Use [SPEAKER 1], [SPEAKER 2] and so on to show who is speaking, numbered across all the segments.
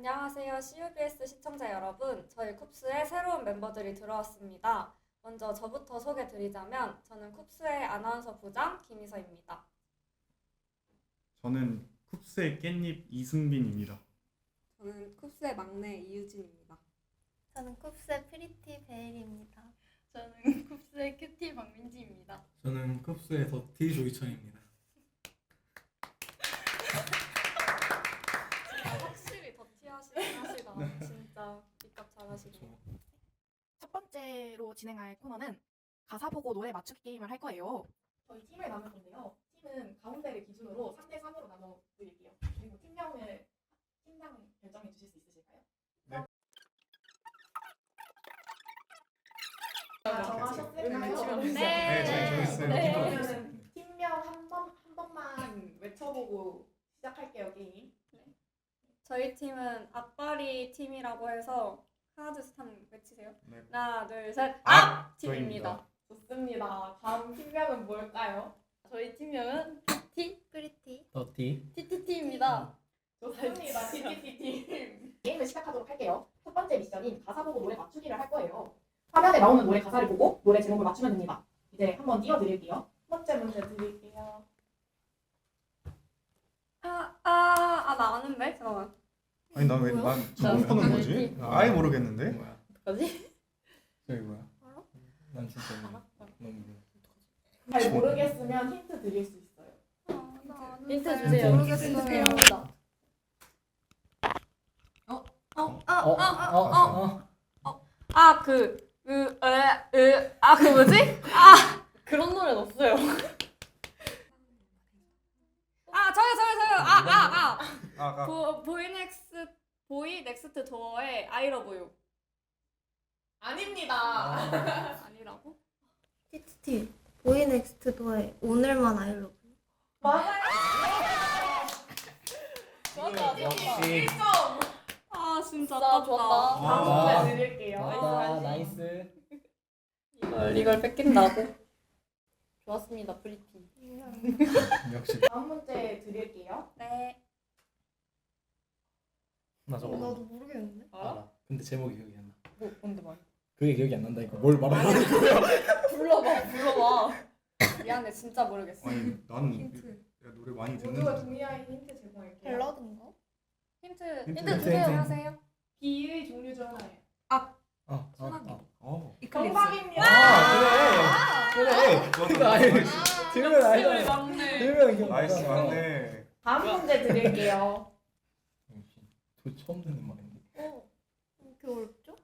[SPEAKER 1] 안녕하세요. CUBS 시청자 여러분. 저희 쿱스에 새로운 멤버들이 들어왔습니다. 먼저 저부터 소개 드리자면 저는 쿱스의 아나운서 부장 김희서입니다.
[SPEAKER 2] 저는 쿱스의 깻잎 이승빈입니다.
[SPEAKER 1] 저는 쿱스의 막내 이유진입니다.
[SPEAKER 3] 저는 쿱스의 프리티 베일입니다.
[SPEAKER 4] 저는 쿱스의 큐티 박민지입니다.
[SPEAKER 5] 저는 쿱스의 더티 조이천입니다.
[SPEAKER 1] 확실히 더티하시다. 진짜 입값 잘하시네요.
[SPEAKER 6] 첫 번째로 진행할 코너는 가사 보고 노래 맞추기 게임을 할 거예요. 저희 팀을 나눌 건데요. 팀은 가운데를 기준으로 3대 3으로 나눠 드릴게요. 그리고 팀당 결정해 주실 수 있으실까요?
[SPEAKER 2] 네.
[SPEAKER 6] 정하셨을까요?
[SPEAKER 2] 네, 정했어요.
[SPEAKER 6] 그러면은 팀명 한 번만 외쳐보고 시작할게요, 게임.
[SPEAKER 1] 저희 팀은 악바리 팀이라고 해서 하나 둘 셋 한번 외치세요.
[SPEAKER 2] 네.
[SPEAKER 1] 하나 둘 셋
[SPEAKER 2] 저희입니다.
[SPEAKER 1] 팀입니다.
[SPEAKER 6] 좋습니다. 다음 팀명은 뭘까요?
[SPEAKER 4] 저희 팀명은 티
[SPEAKER 3] 프리티.
[SPEAKER 5] 더티
[SPEAKER 4] TTT입니다.
[SPEAKER 6] 좋습니다. TTT 게임을 시작하도록 할게요. 첫 번째 미션인 가사 보고 노래 맞추기를 할 거예요. 화면에 나오는 노래 가사를 보고 노래 제목을 맞추면 됩니다. 이제 한번 띄워드릴게요. 첫 번째 문제 드릴게요.
[SPEAKER 1] 나 아는데? 잠깐만.
[SPEAKER 2] 아니 난 처음 보는 거지? 아예 모르겠는데?
[SPEAKER 5] 뭐야?
[SPEAKER 4] 어떡하지?
[SPEAKER 5] 저기 뭐야?
[SPEAKER 3] 알아?
[SPEAKER 5] 난 진짜 몰라. 너무 몰라.
[SPEAKER 6] 잘 모르겠으면 힌트 드릴 수 있어요.
[SPEAKER 4] 힌트 주세요.
[SPEAKER 3] 모르겠어요.
[SPEAKER 1] 그 뭐지?
[SPEAKER 4] 그런 노래는 없어요.
[SPEAKER 1] 저요. 보이 넥스트 도어의 I love you.
[SPEAKER 6] 아닙니다.
[SPEAKER 1] 아니라고?
[SPEAKER 3] TTT. 보이넥스트 도어의 오늘만 아이로.
[SPEAKER 6] 맞아요.
[SPEAKER 4] 좋았다.
[SPEAKER 5] 역시.
[SPEAKER 6] 1점.
[SPEAKER 1] 진짜
[SPEAKER 4] 좋았다. 좋았다.
[SPEAKER 6] 다음 문제 드릴게요.
[SPEAKER 5] 아, 나이스.
[SPEAKER 4] 이걸 뺏긴다고? 좋았습니다. 프리티.
[SPEAKER 5] 역시.
[SPEAKER 6] 다음 문제 드릴게요.
[SPEAKER 1] 네.
[SPEAKER 5] 나 저거
[SPEAKER 3] 나도 모르겠는데.
[SPEAKER 5] 알아. 근데 제목이 기억이 안 나.
[SPEAKER 4] 뭔데 말?
[SPEAKER 5] 그게 기억이 안 난다니까. 뭘 말하는 거야?
[SPEAKER 4] 불러봐.
[SPEAKER 1] 미안해, 진짜 모르겠어.
[SPEAKER 2] 아니 나는
[SPEAKER 3] 힌트.
[SPEAKER 2] 야, 노래 많이
[SPEAKER 6] 모두가
[SPEAKER 2] 듣는데.
[SPEAKER 6] 동의하에 힌트 제공할게요.
[SPEAKER 3] 밸러드인가?
[SPEAKER 1] 힌트 주세요. 하세요.
[SPEAKER 6] 비의 종류 중 하나예요.
[SPEAKER 2] 이클립스.
[SPEAKER 6] 정답입니다.
[SPEAKER 5] 그래. 그거 아니. 들으면 알잖아.
[SPEAKER 1] 막내.
[SPEAKER 5] 들으면 기억.
[SPEAKER 2] 나이스 맞네.
[SPEAKER 6] 다음 문제 드릴게요.
[SPEAKER 5] 저 처음 듣는 말인데.
[SPEAKER 3] 이렇게 어렵죠?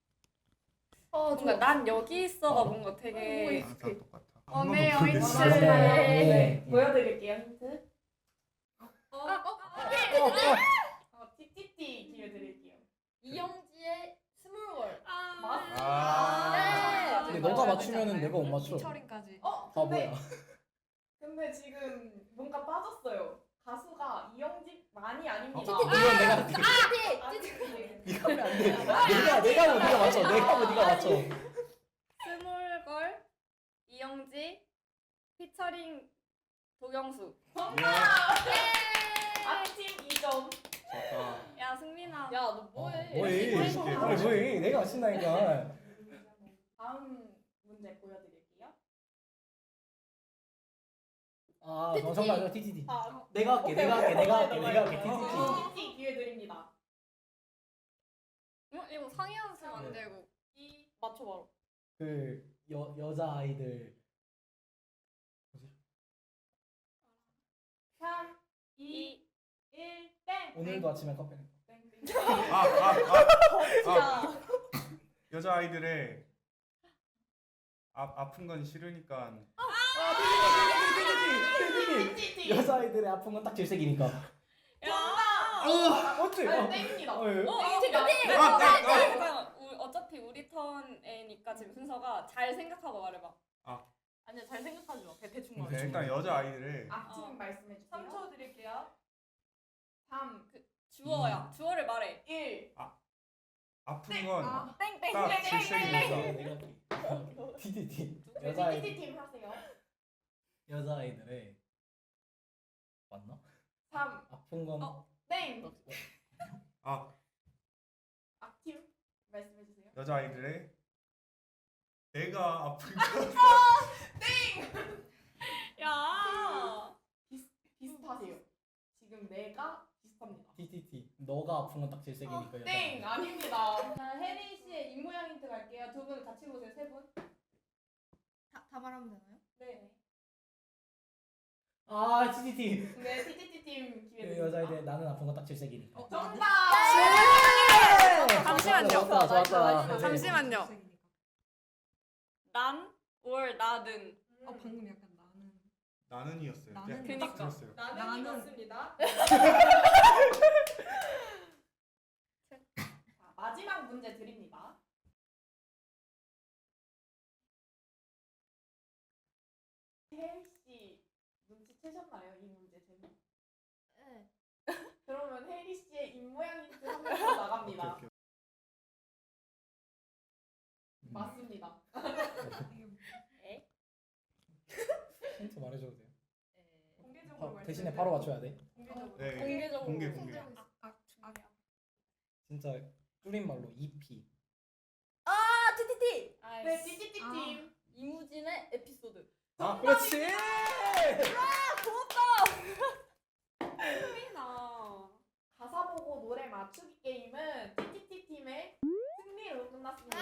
[SPEAKER 1] 뭔가 난 여기 있어가 뭔가 되게
[SPEAKER 2] 다 똑같아.
[SPEAKER 1] 네,
[SPEAKER 2] 한 번도 모르겠어.
[SPEAKER 6] 네. 보여드릴게요, 힌트. TTT 기회 드릴게요.
[SPEAKER 4] 이영지의 스몰월.
[SPEAKER 2] 아.
[SPEAKER 5] 근데 너가 맞추면은 내가 못 맞춰.
[SPEAKER 3] 철인까지.
[SPEAKER 5] 바보야.
[SPEAKER 6] 근데 지금 뭔가 빠졌어요. 가수가 이영집만이 아닙니다.
[SPEAKER 5] 이건 내가 할게. 네가 하면 안 돼. 내가 뭐 네가 맞춰. 내가 뭐 네가 맞춰.
[SPEAKER 1] 스몰걸 이영지 피처링 도경수.
[SPEAKER 6] 아팀 2점.
[SPEAKER 2] 좋다.
[SPEAKER 1] 야 승민아.
[SPEAKER 4] 야, 너 뭐해?
[SPEAKER 5] 뭐해? 뭐해? 내가 맞춘다니까.
[SPEAKER 6] 다음 문제 보여드릴게요.
[SPEAKER 5] 아, 정답 TTT.
[SPEAKER 6] 아,
[SPEAKER 5] 내가 할게. TTT.
[SPEAKER 6] TTT 기회 드립니다.
[SPEAKER 1] 이거 상의 연습 안 되고.
[SPEAKER 4] 맞춰봐라.
[SPEAKER 5] 그 여자 아이들
[SPEAKER 6] 3, 2, 1, 땡.
[SPEAKER 5] 오늘도 아침에 카페.
[SPEAKER 2] 여자 아이들의 아픈 건 싫으니까.
[SPEAKER 6] TTT.
[SPEAKER 5] 여자 아이들의 아픈 건 딱 질색이니까. 어째?
[SPEAKER 6] 땡입니다.
[SPEAKER 1] 어차피 우리 턴이니까 지금 순서가 잘 생각하고 말해봐.
[SPEAKER 4] 아니야, 잘 생각하지 마. 대충
[SPEAKER 5] 네.
[SPEAKER 4] 말해.
[SPEAKER 2] 일단 여자 아이들의
[SPEAKER 6] 앞팀 말씀해 주세요.
[SPEAKER 4] 3초 드릴게요.
[SPEAKER 6] 3,
[SPEAKER 1] 주어야. 주어를 말해.
[SPEAKER 6] 1.
[SPEAKER 2] 아픈 건
[SPEAKER 6] 땡땡.
[SPEAKER 2] 딱 질색이니까.
[SPEAKER 5] TTT.
[SPEAKER 6] TT팀 하세요.
[SPEAKER 5] 여자 아이들의 맞나?
[SPEAKER 6] 3,
[SPEAKER 5] 아픈 건
[SPEAKER 6] 땡.
[SPEAKER 2] 아 여자아이들의 배가 아픈 것.
[SPEAKER 4] 야. 비슷하세요. 지금 내가 비슷합니다.
[SPEAKER 5] TTT. 너가 아픈 건 딱 질색이니까.
[SPEAKER 4] 땡 아닙니다. 자, 혜리 씨의 입 모양 힌트 갈게요. 두 분 같이 보세요. 세 분.
[SPEAKER 3] 다 말하면 되나요?
[SPEAKER 4] 네.
[SPEAKER 5] 아 TTT.
[SPEAKER 4] 네, TTT 팀 기회
[SPEAKER 5] 그
[SPEAKER 4] 드립니다.
[SPEAKER 5] 여자애들 나는 아픈 건 딱 질색이니까.
[SPEAKER 4] 정답.
[SPEAKER 1] 잠시만요.
[SPEAKER 5] 좋았다.
[SPEAKER 1] 잠시만요. 난, 올, 나는.
[SPEAKER 7] 방금 약간 나는
[SPEAKER 2] 나는이었어요.
[SPEAKER 7] 나는.
[SPEAKER 2] 그냥 딱
[SPEAKER 1] 그니까.
[SPEAKER 2] 들었어요.
[SPEAKER 4] 나는
[SPEAKER 7] 나는.
[SPEAKER 4] 이겼습니다. 자, 마지막 문제 드립니다. 혜리 씨 눈치채셨나요? 이 문제 제목?
[SPEAKER 3] 네.
[SPEAKER 4] 그러면 혜리 씨의 입 모양 힌트 한 번 더 나갑니다.
[SPEAKER 2] 오케이.
[SPEAKER 4] 맞습니다.
[SPEAKER 5] 힌트 말해줘도 돼요.
[SPEAKER 4] 공개적으로
[SPEAKER 5] 대신에 바로 맞춰야 돼.
[SPEAKER 4] 공개적으로.
[SPEAKER 2] 네.
[SPEAKER 4] 공개적으로.
[SPEAKER 2] 공개.
[SPEAKER 5] 진짜 줄임말로 EP.
[SPEAKER 4] TTT. 네, TTT
[SPEAKER 7] 아.
[SPEAKER 4] 팀. 이무진의 에피소드.
[SPEAKER 5] 아 그렇지.
[SPEAKER 1] 나.
[SPEAKER 4] 가사 보고 노래 맞추기 게임은 TTT 팀의 승리로 끝났습니다.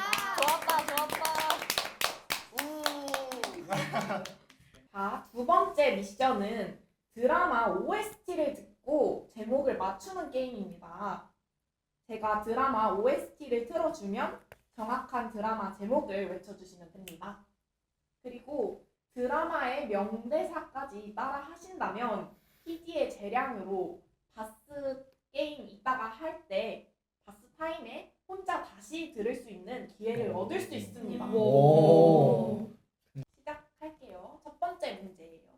[SPEAKER 1] 좋았다.
[SPEAKER 4] 자, 두 번째 미션은 드라마 OST를 듣고 제목을 맞추는 게임입니다. 제가 드라마 OST를 틀어주면 정확한 드라마 제목을 외쳐주시면 됩니다. 그리고 드라마의 명대사까지 따라 하신다면 PD의 재량으로 바스 게임 이따가 할 때 바스 타임에 혼자 다시 들을 수 있는 기회를 얻을 수 있습니다.
[SPEAKER 5] 오.
[SPEAKER 4] 시작할게요. 첫 번째 문제예요.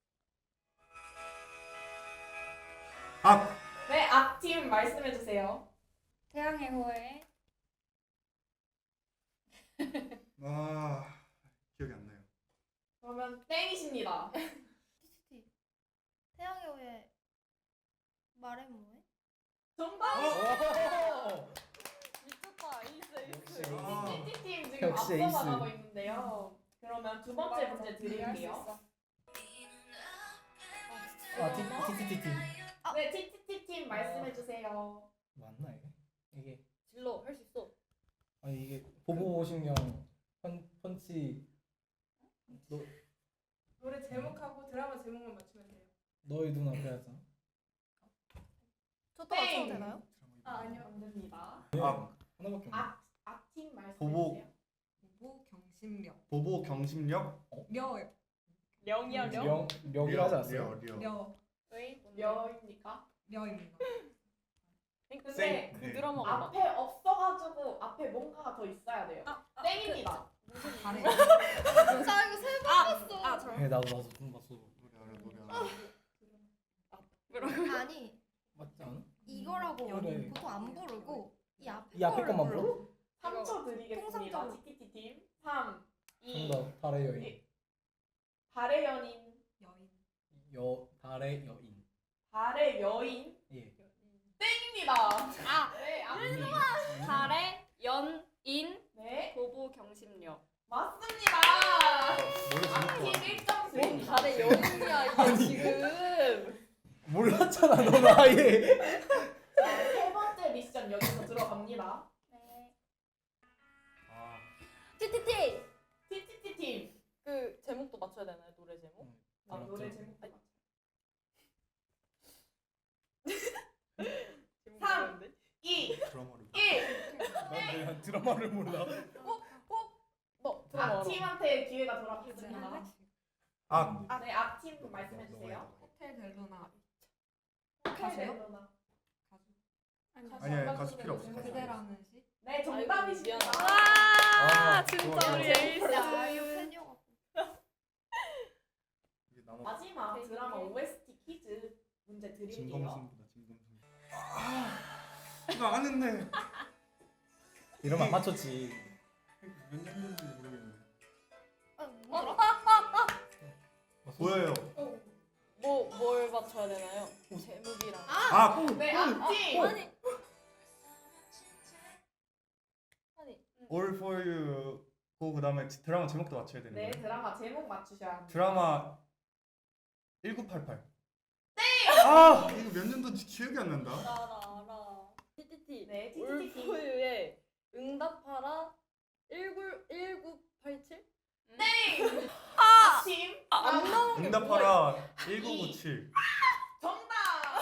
[SPEAKER 2] 아
[SPEAKER 4] 네, 악팀 말씀해 주세요.
[SPEAKER 1] 태양의 호에.
[SPEAKER 2] 기억이 안 나요.
[SPEAKER 4] 그러면 땡이십니다.
[SPEAKER 3] TTT. 태양의 후예 말해 뭐해?
[SPEAKER 4] 정답!
[SPEAKER 5] 오.
[SPEAKER 1] 미쳤다. 이스
[SPEAKER 5] 역시.
[SPEAKER 4] TT팀 지금
[SPEAKER 5] 역시
[SPEAKER 4] 앞서
[SPEAKER 5] 에이스.
[SPEAKER 4] 나가고 있는데요. 그러면 두 번째 문제 드릴게요.
[SPEAKER 5] 아 TTT.
[SPEAKER 4] 네, TT팀 말씀해 주세요.
[SPEAKER 5] 맞나 이게?
[SPEAKER 4] 질러, 할 수 있어.
[SPEAKER 5] 아니 이게 보보신경 펀치
[SPEAKER 7] 노래 제목하고 드라마 제목만 맞추면 돼요.
[SPEAKER 5] 너의 눈 앞에 하자.
[SPEAKER 3] 저도
[SPEAKER 4] 땡!
[SPEAKER 3] 맞춰도 되나요?
[SPEAKER 4] 아니요, 안 됩니다.
[SPEAKER 2] 아
[SPEAKER 5] 하나밖에 없네.
[SPEAKER 4] 악팀 말씀해
[SPEAKER 2] 보복.
[SPEAKER 4] 주세요.
[SPEAKER 7] 보보 경심력.
[SPEAKER 2] 보보 경심력.
[SPEAKER 7] 려.
[SPEAKER 4] 령이요,
[SPEAKER 5] 령이라 하지 않았어요?
[SPEAKER 7] 려.
[SPEAKER 4] 려입니까?
[SPEAKER 7] 려입니다.
[SPEAKER 4] 근데
[SPEAKER 2] 네.
[SPEAKER 4] 앞에 없어가지고 앞에 뭔가가 더 있어야 돼요. 땡입니다.
[SPEAKER 7] 잘해.
[SPEAKER 3] 나 이거 세번 봤어.
[SPEAKER 5] 네 나도 좀 봤어.
[SPEAKER 2] 노래 알아.
[SPEAKER 3] 아니
[SPEAKER 5] 맞지 않아?
[SPEAKER 3] 이거라고
[SPEAKER 5] 그래.
[SPEAKER 3] 보통 안 부르고 이 앞에
[SPEAKER 5] 이 앞에
[SPEAKER 3] 거를
[SPEAKER 5] 것만
[SPEAKER 3] 불러.
[SPEAKER 5] 불러?
[SPEAKER 4] 3초 드리겠습니다.
[SPEAKER 3] 통상적으로.
[SPEAKER 4] TT팀 3, 2,
[SPEAKER 5] 정답 달의 여인.
[SPEAKER 4] 달의 연인,
[SPEAKER 7] 여인.
[SPEAKER 5] 달의 여인.
[SPEAKER 4] 달의 여인
[SPEAKER 5] 예.
[SPEAKER 4] 땡입니다. 네,
[SPEAKER 1] 달의 연인
[SPEAKER 4] 네,
[SPEAKER 1] 보보 경심력.
[SPEAKER 4] 맞습니다.
[SPEAKER 2] 노래
[SPEAKER 4] 악팀
[SPEAKER 2] 제목
[SPEAKER 4] 1점 드립니다.
[SPEAKER 1] 달의 연인이야 이게 지금.
[SPEAKER 5] 몰랐잖아 넌 아예.
[SPEAKER 4] 자, 세 번째 미션 여기서 들어갑니다.
[SPEAKER 1] 네.
[SPEAKER 2] 아
[SPEAKER 1] TTT.
[SPEAKER 4] TT팀
[SPEAKER 8] 그 제목도 맞춰야 되나요? 노래 제목?
[SPEAKER 4] 노래 제목
[SPEAKER 8] 아니,
[SPEAKER 4] 3, 2,
[SPEAKER 2] 드라마를.
[SPEAKER 4] 1.
[SPEAKER 5] 난 드라마를 몰라.
[SPEAKER 8] 너 들어봐.
[SPEAKER 4] 악팀한테 기회가 돌아갔습니다.
[SPEAKER 2] 아
[SPEAKER 4] 네, 악팀 말씀해 주세요.
[SPEAKER 7] 호텔 델로나.
[SPEAKER 4] 호텔
[SPEAKER 7] 가세요?
[SPEAKER 4] 델로나.
[SPEAKER 2] 아니야 가수 필요 없어.
[SPEAKER 7] 그대라는 시.
[SPEAKER 4] 네, 정답이십니다.
[SPEAKER 1] 아,
[SPEAKER 2] 좋아,
[SPEAKER 1] 진짜
[SPEAKER 2] 좋아.
[SPEAKER 1] 우리 에이스.
[SPEAKER 3] 야 이거 팬이어갖고.
[SPEAKER 2] 이게 남아.
[SPEAKER 4] 마지막 드라마 OST 퀴즈 문제 드릴게요.
[SPEAKER 2] 진검승부다 진검승부. 이거 안 했네.
[SPEAKER 5] 이러면 안 맞췄지.
[SPEAKER 2] 몇 년도인지 모르겠네.
[SPEAKER 3] 아, 뭐더라?
[SPEAKER 2] 보여요.
[SPEAKER 8] 뭘 맞춰야 되나요? 제목이랑.
[SPEAKER 2] 아
[SPEAKER 4] 네, 악팀.
[SPEAKER 1] 아니.
[SPEAKER 2] All for You고 그다음에 드라마 제목도 맞춰야 되는
[SPEAKER 4] 네,
[SPEAKER 2] 거예요?
[SPEAKER 4] 드라마 제목 맞추셔야 합니다.
[SPEAKER 2] 드라마 1988. 네. 아 이거 몇 년도인지 기억이 안 난다.
[SPEAKER 8] 알아. TTT.
[SPEAKER 4] 네, TTT 팀.
[SPEAKER 8] 올포유의 응답하라 1987?
[SPEAKER 4] 팀.
[SPEAKER 8] 안 나온 게
[SPEAKER 2] 응답하라 1997.
[SPEAKER 4] 정답.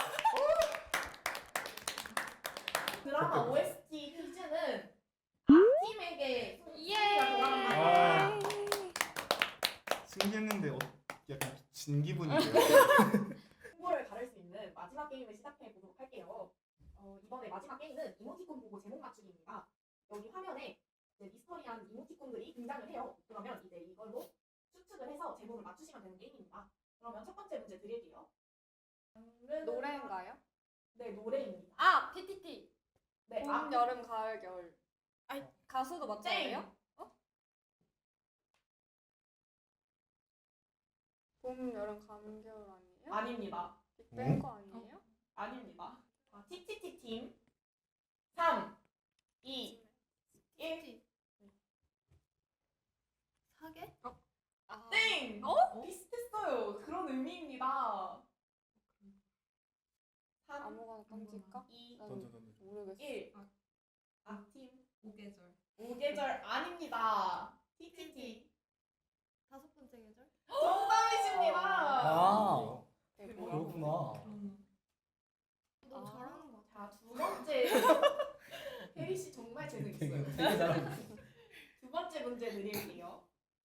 [SPEAKER 4] 드라마 OST 퀴즈는 팀에게 승리가 돌아간다.
[SPEAKER 2] 아 승리했는데 약간 진 기분이에요.
[SPEAKER 4] 승부를 가를 수 있는 마지막 게임을 시작해 보도록 할게요. 이번에 마지막 게임은 이모티콘 보고 제목 맞추기입니다. 여기 화면에 이제 미스터리한 이모티콘들이 등장을 해요. 그러면 이제 이걸로 추측을 해서 제목을 맞추시면 되는 게임입니다. 그러면 첫 번째 문제 드릴게요.
[SPEAKER 1] 노래인가요?
[SPEAKER 4] 네, 노래입니다.
[SPEAKER 8] 아, TTT.
[SPEAKER 4] 네,
[SPEAKER 1] 봄, 여름, 가을, 겨울. 아니 가수도 맞춰야
[SPEAKER 4] 땡.
[SPEAKER 1] 돼요? 봄, 여름, 가을, 겨울 아니에요?
[SPEAKER 4] 아닙니다.
[SPEAKER 1] 빅뱅 거 아니에요?
[SPEAKER 4] 아닙니다. TTT 팀 3, 2, 1.
[SPEAKER 3] 사계?
[SPEAKER 1] 아,
[SPEAKER 4] 땡! 비슷했어요. 그런 의미입니다. 3,
[SPEAKER 1] 아무거나 던질까?
[SPEAKER 4] 2,
[SPEAKER 2] 던져.
[SPEAKER 1] 모르겠어.
[SPEAKER 4] 1. 팀
[SPEAKER 7] 오계절.
[SPEAKER 4] 5계절 아닙니다. TTT
[SPEAKER 3] 다섯 번째 계절?
[SPEAKER 4] 정답이십니다.
[SPEAKER 5] 아
[SPEAKER 1] 이게 뭐야?
[SPEAKER 5] 그렇구나.
[SPEAKER 3] 너무
[SPEAKER 1] 아.
[SPEAKER 3] 잘하는 것 같아.
[SPEAKER 4] 자, 두 번째. 혜리 씨 정말 재능 있어요.
[SPEAKER 5] 되게 잘하고.
[SPEAKER 4] 두 번째 문제 드릴게요.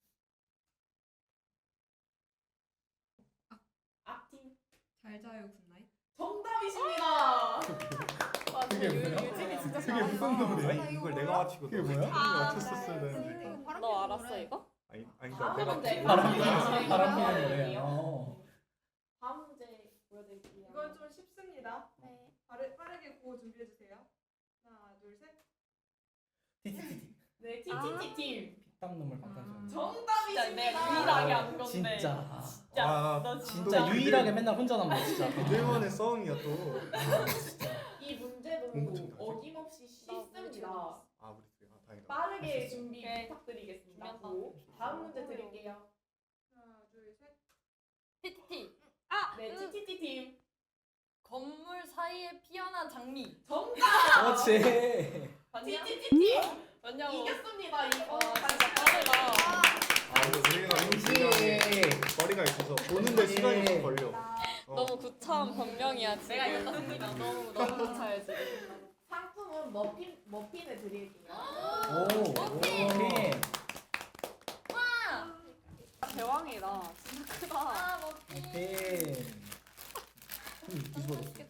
[SPEAKER 4] 앞팀
[SPEAKER 7] 잘 자요 굿나잇.
[SPEAKER 4] 정답이십니다.
[SPEAKER 2] 그게 뭐야?
[SPEAKER 1] 유진이 진짜
[SPEAKER 2] 그게 무슨
[SPEAKER 1] 잘한다.
[SPEAKER 2] 노래야? 아니 이걸 내가 맞히고
[SPEAKER 5] 그게
[SPEAKER 2] 너가
[SPEAKER 5] 뭐야?
[SPEAKER 2] 맞췄었어야 되는데.
[SPEAKER 8] 너 알았어 이거?
[SPEAKER 2] 아니
[SPEAKER 4] 다음
[SPEAKER 2] 그러니까
[SPEAKER 4] 문제.
[SPEAKER 2] 내가
[SPEAKER 5] 바람
[SPEAKER 4] 다음
[SPEAKER 5] 피는
[SPEAKER 4] 문제
[SPEAKER 5] 노래. 어.
[SPEAKER 4] 다음 문제 보여드릴게요.
[SPEAKER 6] 이건 좀 쉽습니다.
[SPEAKER 3] 네.
[SPEAKER 6] 빠르게 구호 준비해 주세요. 하나, 둘, 셋.
[SPEAKER 5] TTT.
[SPEAKER 4] 네, TTT 팀
[SPEAKER 5] 땀 눈물 방탄소년.
[SPEAKER 8] 진짜
[SPEAKER 4] 정답이십니다.
[SPEAKER 8] 내가 유일하게 안 건데.
[SPEAKER 5] 진짜.
[SPEAKER 2] 아,
[SPEAKER 5] 진짜 유일하게 맨날 혼자 남아 진짜.
[SPEAKER 2] 그들만의 싸움이야 또.
[SPEAKER 4] 이 문제도
[SPEAKER 2] 공부 좀 다시.
[SPEAKER 4] 어김없이 쉽습니다.
[SPEAKER 2] 아 우리 둘이 다행이다.
[SPEAKER 4] 빠르게 준비
[SPEAKER 8] 오케이.
[SPEAKER 4] 부탁드리겠습니다.
[SPEAKER 8] 준비한다.
[SPEAKER 4] 고. 다음 문제 드릴게요.
[SPEAKER 6] 하나, 둘, 셋.
[SPEAKER 8] TTT.
[SPEAKER 4] 네, TTT 팀
[SPEAKER 8] 건물 사이에 피어난 장미.
[SPEAKER 4] 정답.
[SPEAKER 5] 그렇지.
[SPEAKER 8] 맞냐?
[SPEAKER 4] TTT 팀
[SPEAKER 8] 맞냐고.
[SPEAKER 4] 이겼습니다. 이거
[SPEAKER 8] 진짜 빠르다.
[SPEAKER 2] 아 근데 우리가 은근히 거리가 있어서 보는데 시간이 좀 걸려.
[SPEAKER 8] 너무 구차한 변명이야. 지금. 내가 이겼다 승리다. 너무 구차해 지금.
[SPEAKER 4] 상품은 머핀을 드릴게요.
[SPEAKER 5] 오. 머핀.
[SPEAKER 1] 대왕이다. 진짜 크다.
[SPEAKER 8] 아,
[SPEAKER 5] 머핀.
[SPEAKER 2] 뒤집어졌어.